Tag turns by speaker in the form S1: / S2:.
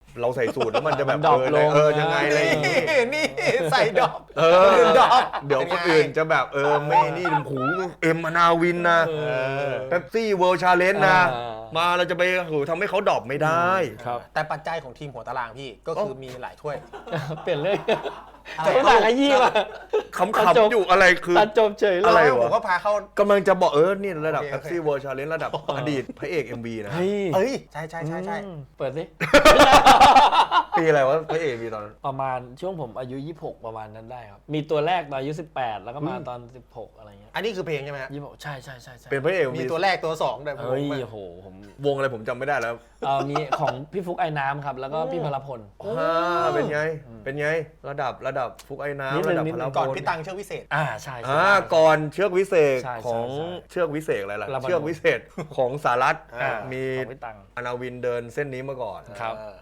S1: เราใส่สูตรแล้วมันจะแบบ
S2: ดรอปลง
S1: ยังไงอะไรอย่างงี้
S3: นี่ใส่ดอก
S1: ดอกเดี๋ยวคนอื่นจะแบบไม่นี่หูเอ็มนาวินนะเป๊ปซี่เวิลด์ชาเลนจ์นะ มาเราจะไปทำให้เขาดรอปไม่ได้
S2: ครับ
S3: แต่ปัจจัยของทีมหัวตารางพี่ก็คือมีหลายถ้วย
S2: เปลี่ยนเรื่อง
S3: อะไร
S2: ภาษาขยี้มา
S1: ขำๆอยู่อะไรคือ
S2: ตัดจบเฉยเล
S1: อะไร
S2: ยว
S1: ะ
S3: ผมก็พาเข้าก
S1: ำลังจะบอกนี่ระดับ
S3: โอเค
S1: เป๊ปซี่เวิลด์ชาเลนจ์ระดับอดีตพระเอก MV นะ
S2: เฮ้ย
S3: เอ้ยใช่ใช่
S2: เปิดสิ
S1: ปีอะไรวะพระเอก MV ตอนนั้น
S2: ประมาณช่วงผมอายุ 26 ประมาณนั้นได้ครับ มีตัวแรกตอนอายุ 18 แล้วก็มาตอน 16 อะไรเงี้ย
S3: อันนี้คือเพลงใช่ไหมฮะ
S2: 26ใช่ใช่ใช่
S1: เป็นพระเอก
S3: มีตัวแรกตัวสองแต่ผม
S2: เฮ้ย
S3: ไม่
S2: โอ้โหผม
S1: วงอะไรผมจำไม่ได้แล้ว
S2: มีของพี่ฟุกไอ้น้ำครับ แล้วก็พี่พลพล
S1: เป็นไง เป็นไง ระดับฟุกไอ้
S2: นิด
S1: น้ำ
S2: นึง
S1: ระดับ
S2: นิด
S1: พ
S2: นึ
S1: ล
S2: ง
S1: พ
S3: ก่อน
S1: ล
S3: พี่ตังเชือกวิเศษ
S2: ใช่ใช่
S1: ก่อนเชือกวิเศษ
S2: ใช่
S1: ของ
S2: ใช่
S1: เชือกวิเศษอะไรล่ะ
S2: ลาบานูน
S1: เชือกวิเศษของสารัต
S2: อ่า
S1: มี
S2: ของพี่ตัง
S1: อนาวินเดินเส้นนี้มาก่อน
S2: ครับ